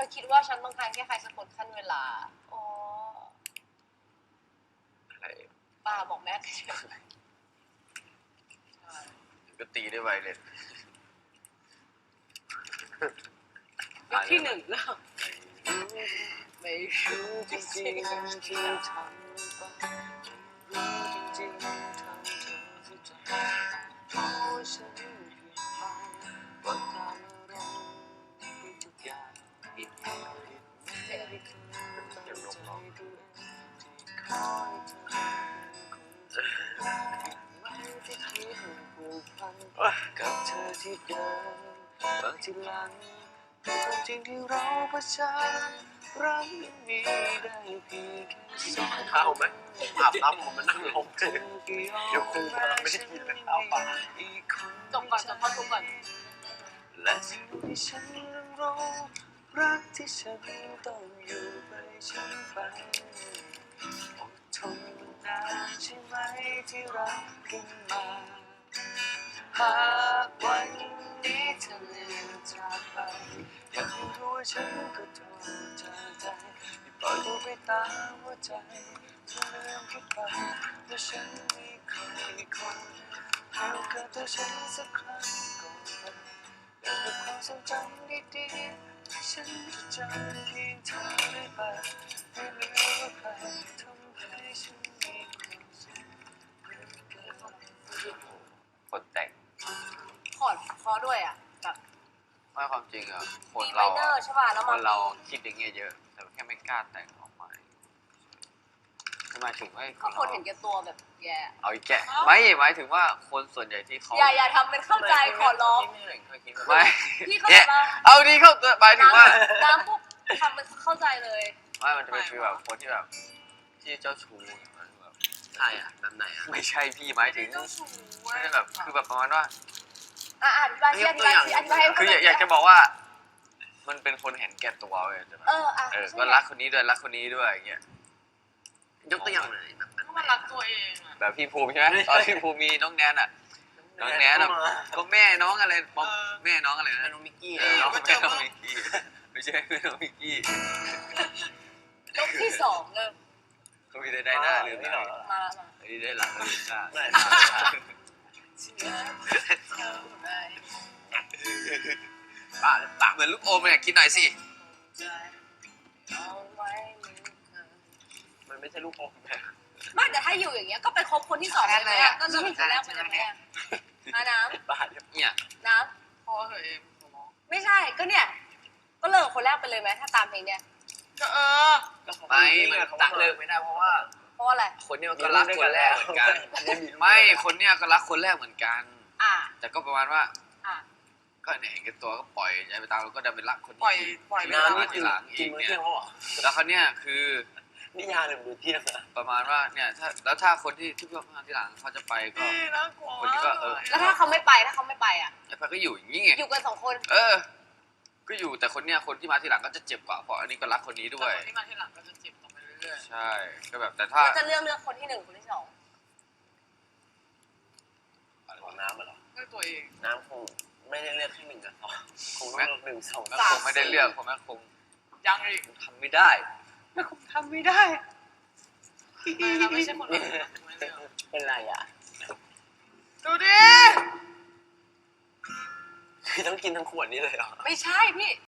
คิดว่าฉันต้องการแค่ใครสักคนขั้นเวลาอ๋ออะไรป้าบอกแม่เฉยก็ตีได้ไวเลยยกที่หนึ่งแล้วไม่รู้จริงที่ทำไปรู้จริงๆทำเธอเข้าใจเพราะว่าฉันเพียงฟังว่าตามอารมณ์ไปทุกอย่างอีกอย่างไม่ได้เคยตั้งใจดูเองที่คอยเธอเป็นคนไม่ได้คิดผูกพันกับเธอที่เดินบางทีหลังแต่ความจริงที่เราเผชิญรักยังมีได้เพียงแค่สองข้าวไหมอาบน้ำผมมานั่งลงเลยเดี๋ยวครูกำลังไม่ได้กินเลยข้าวปลาจบก่อนจบข้อทุกก่อนและสิ่งที่ฉันต้องรู้รักที่ฉันต้องอยู่ไปฉันไปอดทนนานใช่ไหมที่รักขึ้นมาหากวันนี้เธอเลือนจากไปอยากให้รู้ว่าฉันก็โทษจากใจที่ปล่อยตัวไปตามหัวใจเธอลืมคิดไปว่าฉันมีใครคนให้โอกาสตัวฉันสักครั้งก่อนไปยังมีความทรงจำดีๆฉันจะจำเพียงเธอได้ไปไม่เหลือว่าใครทำให้ฉันมีความสุขเหมือนกันคนแต่งขอดคอด้วยอ่ะแบบว่าความจริงอะคนมีไมเราเนอร์ใช่ป่ะแล้วคมันเราคิดอย่างเงี้ยเยอะ แต่แค่ไม่กล้าแต่งออกมาหมายถึงว่าก็คนเห็นแก่ตัวแบบแย่เอาอีกแกะไม่หมายถึงว่าคนส่วนใหญ่ที่เขาอย่าทำเป็นเข้าใจขอร้องไม่พี่เข้าใจเนี่ยป่ะเอาดีเข้าหมายถึงว่าน้ำปุ๊บทำเป็นเข้าใจเลยว่ามันจะเป็นฟีลแบบคนที่แบบที่เจ้าชู้แบบใช่อ่ะแบบไหนอ่ะไม่ใช่พี่หมายถึงเจ้าชู้ไม่ได้แบบคือแบบประมาณว่าอธิบายอธิบายอธิบายให้คืออยากจะบอกว่า มันเป็นคนเห็นแก่ตัวเว้ยใช่ไหมก็รักคนนี้ด้วยรักคนนี้ด้วยอย่างเงี้ยยกตัวอย่างเลยแบบก็มันรักตัวเองอ่ะแบบพี่ภูมิใช่ไหมตอนพี่ภูมิมีน้องแนนอ่ะน้องแนนแบบก็แม่น้องอะไรแม่น้องอะไรนะน้องมิกกี้น้องแม่น้องมิกกี้ไม่ใช่แม่น้องมิกกี้ยกที่สองเริ่มเขามีได้หน้าลืมตามาละมาอันนี้ได้หลังลืมตา ปากเหมือนลูกอมเลยกินหน่อยสิมันไม่ใช่ลูกอมแบบไม่แต่ถ้าอยู่อย่างเงี้ยก็ไปคบคนที่สองเลยไหมก็เริ่มคนแรกไปเลยไหมน้ำบ้าเนี่ยเนี่ยน้ำพอเหอะไม่ใช่ก็เนี่ยก็เลิกคนแรกไปเลยไหมถ้าตามเพลงเนี้ยก็ไม่มันตักเลิกไม่ได้เพราะว่าเพราะว่าอะไรคนเนี้ยก็รักคนแรกเหมือนกันไม่คนเนี้ยก็รักคนแรกเหมือนกัน แต่ก็ประมาณว่าก็เนี่ยเห็นกันตัวก็ปล่อยใจไปตามแล้วก็ดันไปรักคนที่ปล่อยที่น้ำมานี่ทีคือหลังกิอีนกมื้อเนี่เที่ยยงแล้วเหรอแล้วเขาเนี่ยคือนี่ยาหรือมื้อเที่ยงอะประมาณว่าเนี่ยถ้าคนที่เพื่อนมาทีหลังเขาจะไปก็คนนี้ก็แล้วถ้าเขาไม่ไปอ่ะไอ้พันก็อยู่อย่างนี้ไงอยู่กันสองคนก็อยู่แต่คนเนี้ยคนที่มาทีหลังก็จะเจ็บกว่าเพราะอันนี้ก็รักคนนี้ด้วยที่มาที่หลังก็จะเจ็บต่อไปเรื่อยใช่ก็แบบแต่ถ้าก็จะเลือกคนที่หนึ่งคนที่สองของน้ำเหรอๆด้วยตัวเองน้ำคงไม่ได้เลือกแค่หนึ่งกับสองคงต้องเลือกหนึ่งสองแม่คงไม่ได้เลือกผมแม่คงยังอีกทำไม่ได้ทำไม่ได้เราไม่ใช่คนอื่นเป็นไรอ่ะดูดิคือต้องกินทั้งขวดนี้เลยเหรอไม่ใช่พี่